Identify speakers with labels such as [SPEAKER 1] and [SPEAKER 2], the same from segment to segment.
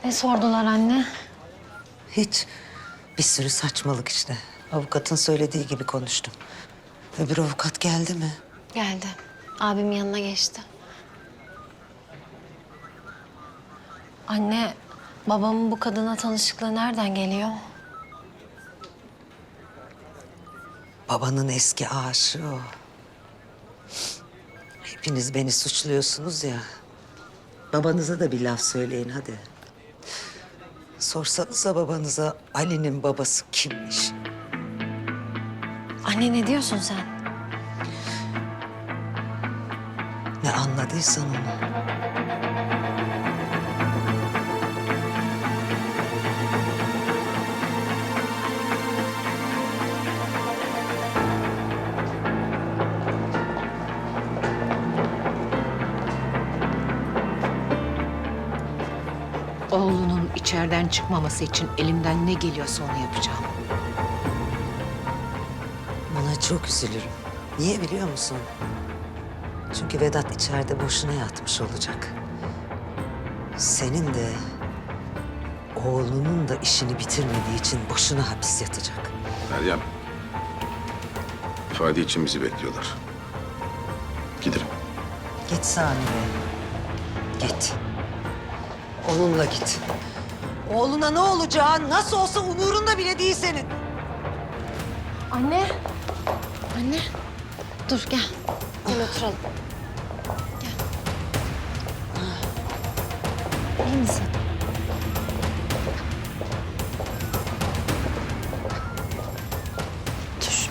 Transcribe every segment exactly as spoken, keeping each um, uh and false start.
[SPEAKER 1] Ne sordular anne?
[SPEAKER 2] Hiç. Bir sürü saçmalık işte. Avukatın söylediği gibi konuştum. Öbür avukat geldi mi?
[SPEAKER 1] Geldi. Abimin yanına geçti. Anne, babamın bu kadına tanışıklığı nereden geliyor?
[SPEAKER 2] Babanın eski aşığı o. Hepiniz beni suçluyorsunuz ya. Babanıza da bir laf söyleyin hadi. Sorsanıza babanıza Ali'nin babası kimmiş?
[SPEAKER 1] Anne ne diyorsun sen?
[SPEAKER 2] Ne anladıysan onu.
[SPEAKER 3] Oğlunun içeriden çıkmaması için elimden ne geliyorsa onu yapacağım.
[SPEAKER 2] Buna çok üzülürüm. Niye biliyor musun? Çünkü Vedat içeride boşuna yatmış olacak. Senin de oğlunun da işini bitirmediği için boşuna hapis yatacak.
[SPEAKER 4] Meryem, ifade için bizi bekliyorlar. Gidelim.
[SPEAKER 2] Git Sami Bey. Git. Onunla git. Oğluna ne olacağı nasıl olsa umurunda bile değil senin.
[SPEAKER 1] Anne. Anne. Dur gel. Gel oturalım. Gel. İyi misin? Dur.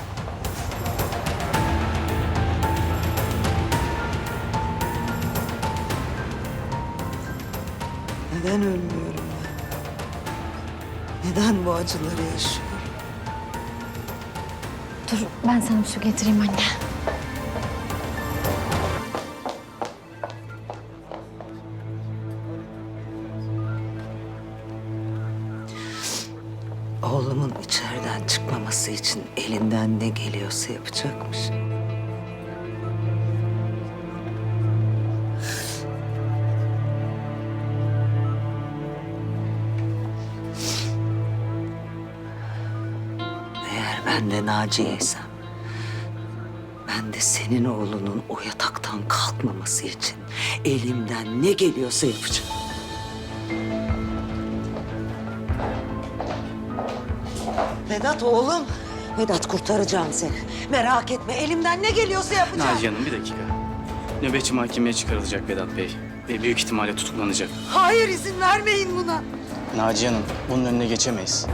[SPEAKER 2] Neden ölmüyorum ben? Neden bu acıları yaşıyorum?
[SPEAKER 1] Dur ben sana bir su getireyim anne.
[SPEAKER 2] Oğlumun içeriden çıkmaması için elinden ne geliyorsa yapacakmış. Eğer ben de Naciye'ysem, ben de senin oğlunun o yataktan kalkmaması için elimden ne geliyorsa yapacağım. Vedat oğlum. Vedat kurtaracağım seni. Merak etme elimden ne geliyorsa yapacağım.
[SPEAKER 5] Naciye Hanım bir dakika. Nöbetçi mahkemeye çıkarılacak Vedat Bey. Ve büyük ihtimalle tutuklanacak.
[SPEAKER 2] Hayır izin vermeyin buna.
[SPEAKER 5] Naciye Hanım bunun önüne geçemeyiz.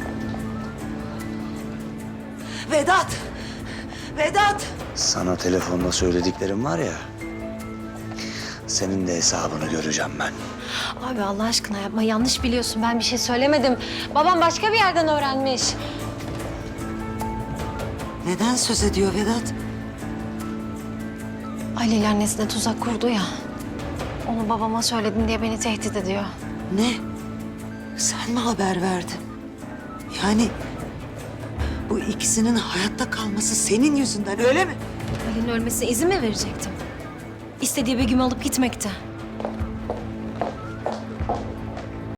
[SPEAKER 2] Vedat. Vedat.
[SPEAKER 6] Sana telefonda söylediklerim var ya, senin de hesabını göreceğim ben.
[SPEAKER 1] Abi Allah aşkına yapma. Yanlış biliyorsun. Ben bir şey söylemedim. Babam başka bir yerden öğrenmiş.
[SPEAKER 2] Neden söz ediyor Vedat?
[SPEAKER 1] Ali ile annesine tuzak kurdu ya. Onu babama söyledin diye beni tehdit ediyor.
[SPEAKER 2] Ne? Sen mi haber verdin? Yani bu ikisinin hayatta kalması senin yüzünden öyle mi?
[SPEAKER 1] Ali'nin ölmesine izin mi verecektim? İstediği Begüm'ü alıp gitmekte.